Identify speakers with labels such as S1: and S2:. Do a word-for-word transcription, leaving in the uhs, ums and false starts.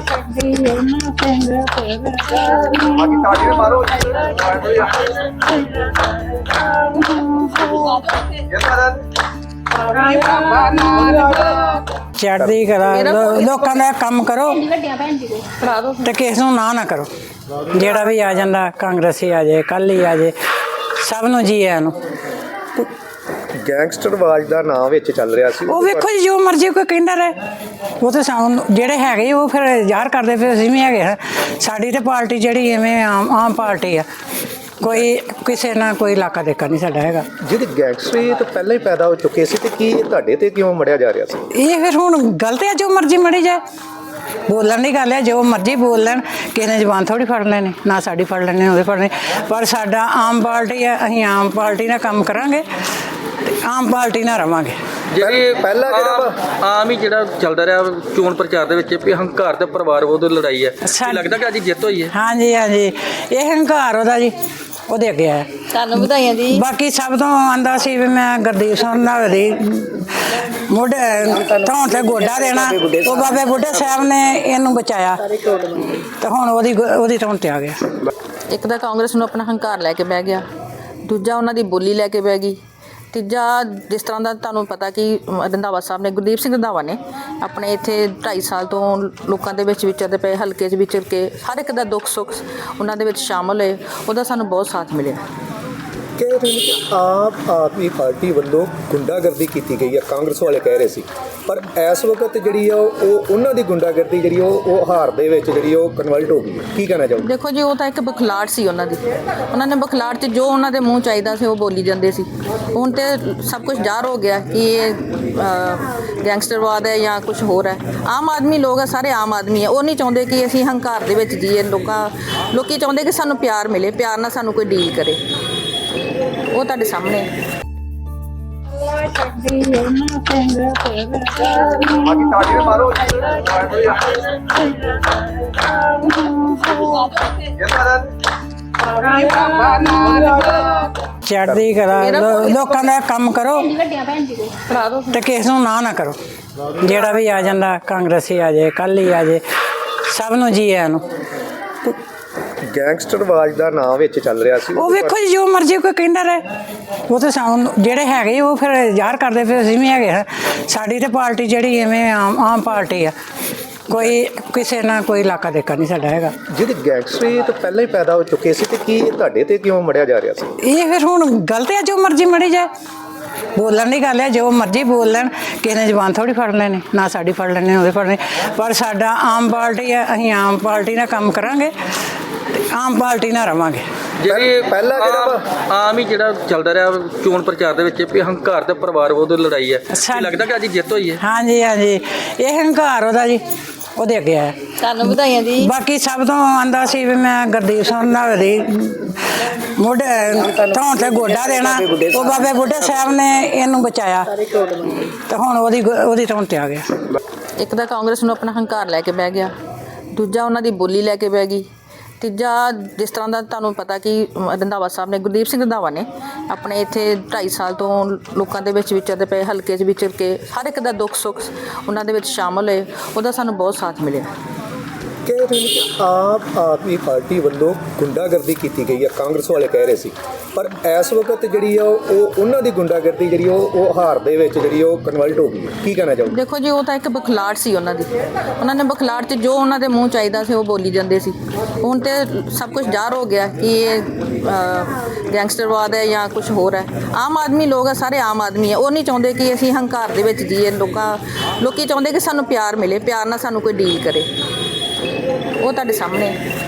S1: चढ़ती कला लोगों का काम करो तो किस नूं ना ना करो। जेड़ा भी आ जाता कांग्रेसी आ जाए कल ही आ जाए सब नूं जी आया नूं।
S2: गैंगस्टरवाद का नाम विच चल रहा सी।
S1: वो वेखो जी जो मर्जी कोई कहता रहे वो तो सानू जेड़े हैगे वो फिर ज़ाहिर करते फिर असीं भी हैगे हैं। साडी ते पार्टी जिहड़ी इवें आम आम पार्टी है कोई किसी ना कोई इलाका देखा नहीं साडा हैगा।
S2: जिहड़ी गैंगस्टरी तो पहले ही पैदा हो चुके सी ते की तुहाडे ते क्यों मढ़िया जा रहा सी?
S1: ये फिर हुण गलत है जो मर्जी मड़ी जाए बोलन की गल है जो मर्जी बोल लैन किसी ने जबान थोड़ी फड़ लेनी ना साड़ी फड़ लेनी ओहदे फड़नी पर साडा आम पार्टी है असीं आम पार्टी नाल काम करांगे आम पार्टी नाल रवांगे।
S2: पहला
S3: आम ही जो चलता रहा चोन प्रचार के हंकार तो परिवार वो लड़ाई है लगता कि अज जित हुई है।
S1: हाँ जी हाँ जी ये हंकार वह जी वो अगे आया
S4: सानू बधाइयां जी।
S1: बाकी सब तो आंदा सी भी मैं गुरदीप सिंह दी मोढे धौण ते गोडा देना वो बाबे बुढ़े साहब ने इनू बचाया तो हुण ओहदी ओहदी धौण ते आ गया।
S4: एक तो कांग्रेस नूं अपना हंकार लैके बह गया दूजा उन्हां दी बोली लैके बह गई तीजा जिस तरह का तुहानूं पता कि रंधावा साहब ने गुरदीप सिंह रंधावा ने अपने इत्थे ढाई साल तो लोगों के विचरते पे हल्के च विचर के हर एक का दुख सुख उन्हां दे विच शामिल होए उहदा सानूं बहुत साथ मिले।
S2: कह रहे हैं कि आम आदमी पार्टी वालों गुंडागर्दी की गई है कांग्रेस वाले कह रहे सी पर इस वक्त जी उन्हों की गुंडागर्दी जी हार दे विच जी कन्वर्ट हो गई की कहना चाहोगे? देखो
S4: जी वो तो एक बखलाट सी उन्होंने उन्होंने बखलाट च जो उन्होंने मूँह चाहिए सी वो बोली जाते सी हुण तो सब कुछ ज़ाहिर हो गया कि ये गैंगस्टरवाद है या कुछ होर है। आम आदमी लोग है सारे आम आदमी है वो नहीं चाहते कि असीं हंकार दे विच जीए लोग लोग चाहते कि सानूं प्यार मिले प्यार नाल सानूं कोई डील करे वो तुहाडे सामने
S1: चढ़ती कला लोगों का काम करो तो किस नूं ना ना करो। जेड़ा भी आ जाता कांग्रेसी आ जाए कल ही आ जाए सब नूं जी आया नूं।
S2: गैंगस्टरवाद का नाम विच चल रहा सी।
S1: वो वेखो जी जो मर्जी कोई कहता रहे वो तो सानू जेड़े हैगे वो फिर ज़ाहिर करते फिर असीं भी हैगे हैं। साडी ते पार्टी जिहड़ी इवें आम आम पार्टी है कोई किसी ना कोई इलाका देखा नहीं साडा हैगा।
S2: जिहड़ी गैंगस्टरी तो पहले ही पैदा हो चुके सी ते की तुहाडे ते क्यों मढ़िया जा रहा सी?
S1: ये फिर हुण गलत है जो मर्जी मड़ी जाए बोलन की गल है जो मर्जी बोल लैन किसी ने जबान थोड़ी फड़ लेनी ना साड़ी फड़ लेनी ओहदे फड़नी पर साडा आम पार्टी है असीं आम पार्टी नाल काम करांगे आम पार्टी नाल रवांगे।
S3: पहला आम ही जो चलता रहा चोन प्रचार के हंकार तो परिवार वो लड़ाई है लगता कि अज जित हुई है।
S1: हाँ जी हाँ जी ये हंकार वह जी वो अगे आया
S4: सानू बधाइयां जी।
S1: बाकी सब तो आंदा सी भी मैं गुरदीप सिंह दी मोढे धौण ते गोडा देना वो बाबे बुढ़े साहब ने इनू बचाया तो हुण ओहदी ओहदी धौण ते आ गया।
S4: एक तो कांग्रेस नूं अपना हंकार लैके बह गया दूजा उन्हां दी बोली लैके बह गई तीजा जिस तरह का तुहानूं पता कि रंधावा साहब ने गुरदीप सिंह रंधावा ने अपने इत्थे ढाई साल तो लोगों के विचरते पे हल्के च विचर के हर एक का दुख सुख उन्हां दे विच शामिल होए उहदा सानूं बहुत साथ मिले।
S2: कह रहे हैं कि आम आदमी पार्टी वालों गुंडागर्दी की गई है कांग्रेस वाले कह रहे सी पर इस वक्त जी उन्हों की गुंडागर्दी जी हार दे विच जी कन्वर्ट हो गई की कहना चाहोगे?
S4: देखो जी वो तो एक बखलाट सी उन्होंने उन्होंने बखलाट च जो उन्होंने मूँह चाहिए सी वो बोली जाते सी हुण तो सब कुछ ज़ाहिर हो गया कि ये गैंगस्टरवाद है या कुछ होर है। आम आदमी लोग है सारे आम आदमी है वो नहीं चाहते कि असीं हंकार दे विच जीए लोग लोग चाहते कि सानूं प्यार मिले प्यार नाल सानूं कोई डील करे वो तुहाडे सामने।